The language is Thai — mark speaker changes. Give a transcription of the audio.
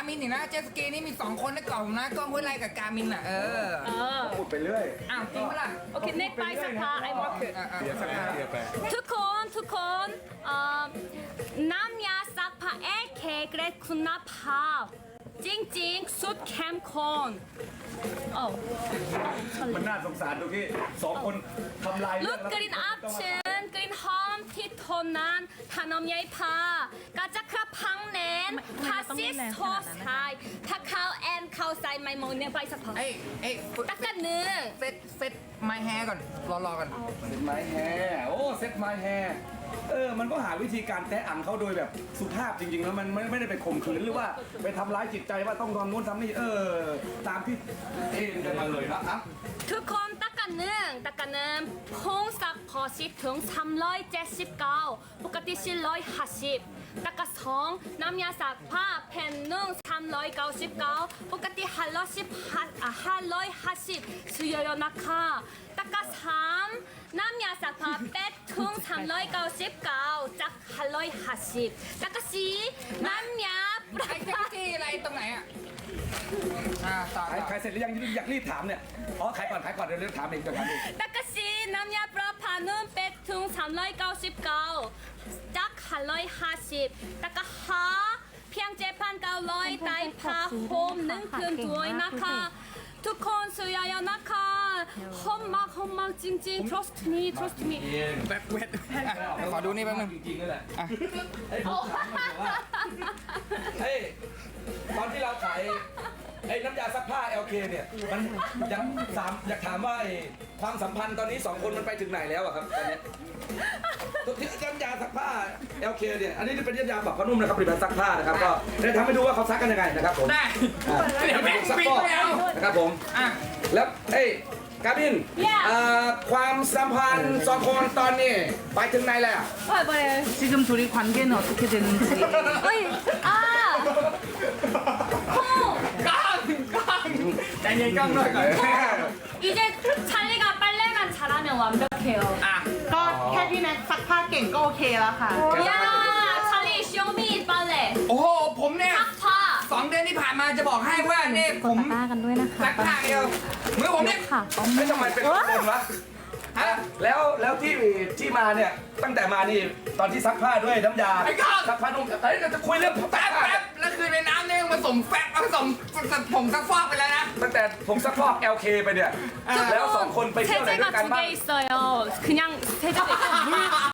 Speaker 1: มินอีกนะเจตสกีนี่มี2คนในกล่องนะกล้องห้วยไร่กับกามินอ่ะ
Speaker 2: พูดไปเรื่อย
Speaker 1: อ้าวจริงปะล่ะ
Speaker 3: โอเค next by สักผ้า I work
Speaker 2: เดี๋ยวสักพักเดี๋ยวไป
Speaker 3: ทุกคนน้ำยาซักผ้าเอเคเกรดคุณภาพจริงๆสุดเข้มข้นโอ้
Speaker 2: มันน่าสงสารตรงที่2 คนทำลาย
Speaker 3: ลูกกลิ่นอับชื้นกลิ่นหอมที่ทนนานถ้านมใยผ้ากระจักกระพังแน่นผ้าซิสโทสไทยถ้าเขาแอนเขาใส่ไมโมเนี่ยไปสักพัก
Speaker 1: เอ้ย
Speaker 3: ตะกันเนื้อ
Speaker 1: เซ็ตไมแฮร์ก่อนรอกัน
Speaker 2: เซ็ตไม้แฮร์โอ้เซ็ตไม้แฮร์มันก็หาวิธีการแตะอังเขาโดยแบบสุภาพจริงๆแล้วมันไม่ได้ไปข่มขืนหรือว่าไปทำร้ายจิตใจว่าต้องทำนู้นทำนี่ตามที่เอ็นกันมาเลยนะครับ
Speaker 3: ทุกคนตะกันเนื้อพงสักพอสิถึง379ปกติ450ตะกันสองน้ำยาซักผ้าแผ่นหนึ่ง399ปกติ550ซื้อเยอะๆนะคะตะกันสามน้ำยาซักผ้าเป็ดถึง399จาก550ตะกันสี่น้ำยา
Speaker 1: ไอ้เจตสกีอะไรตรงไหนอ่ะต่อ
Speaker 2: ขายเสร็จหรือยังอยากรีบถามเนี่ยอ๋อขายก่อนเดี๋ยวเรื่องถามเองเดี๋ยวถามเอง
Speaker 3: ตะกสีน้ำยาปลาพานุ่มเป็ดถึง399จาก550ตะกหาเพียง7,900ได้ผ้าห่ม1 คืนด้วยนะคะทุกคนซื้อเยอะๆนะคะหอมมากจริงๆ trust me
Speaker 1: แบบเวทขอดูนี่แป๊บนึง
Speaker 2: จริงๆนั่นแหละตอนที่เราขายน้ำยาซักผ้า LK เนี่ยมันอยากถามว่าความสัมพันธ์ตอนนี้2 คนมันไปถึงไหนแล้วอะครับตอนนี้ตัวที่น้ำยาซักผ้า LK เนี่ยอันนี้เป็นน้ำยาปรับผ้านุ่มนะครับผลิตภัณฑ์ซักผ้านะครับก็ได้ทำให้ดูว่าเขาซักกันยังไงนะครับผม
Speaker 1: ได้เดี๋ยวแม่งปิดไปเอา
Speaker 2: นะครับผม
Speaker 1: อ่ะ
Speaker 2: แล้วกาบินความสัมพันธ์2 คนตอนนี้ไปถึงไหนแล้ว
Speaker 4: 지금 둘이 관계는 어떻게 되는지.
Speaker 3: 어이 아
Speaker 1: ใจเย็นกล้องหน่อยก่อน
Speaker 3: 이제 찰리가 빨래만 잘하면 완벽해요
Speaker 1: อ่ะ
Speaker 4: ก็แค่พี่แน็กซักผ้าเก่งก็โอเคแล้วค่ะ
Speaker 3: 야 찰리 쇼미 빨래
Speaker 1: โอ้โหผมเนี่ย
Speaker 3: 파
Speaker 1: 2 เดือนที่ผ่านมาจะบอกให้ว่าเนี่ยผม
Speaker 5: ตะกร้ากันด้วยนะคะ
Speaker 1: ซักผ้าเดียวมือผมเนี่ย
Speaker 5: ค่ะ
Speaker 2: ไม่ทำไมเป็นคนวะ
Speaker 1: ฮะ
Speaker 2: แล้วที่มาเนี่ยตั้งแต่มานี่ตอนที่ซักผ้าด้วยน้ำยา
Speaker 1: ไอ้ก้าว
Speaker 2: ซักผ้านุ่มเราจะคุยเรื่อง
Speaker 1: แป๊บแล้วคือในน้ำเนี่ยผสมแฟบผสมผงซักฟอกไปแล้วนะ
Speaker 2: ตั้งแต่ผมซักฟอก LK ไปเนี่ยแล้ว2 คนไปเที่ยวไหนด้ว
Speaker 3: 세제가
Speaker 2: ยกัน
Speaker 3: 2개
Speaker 2: บ้าง
Speaker 3: 있어요 그냥 세제가 있고 물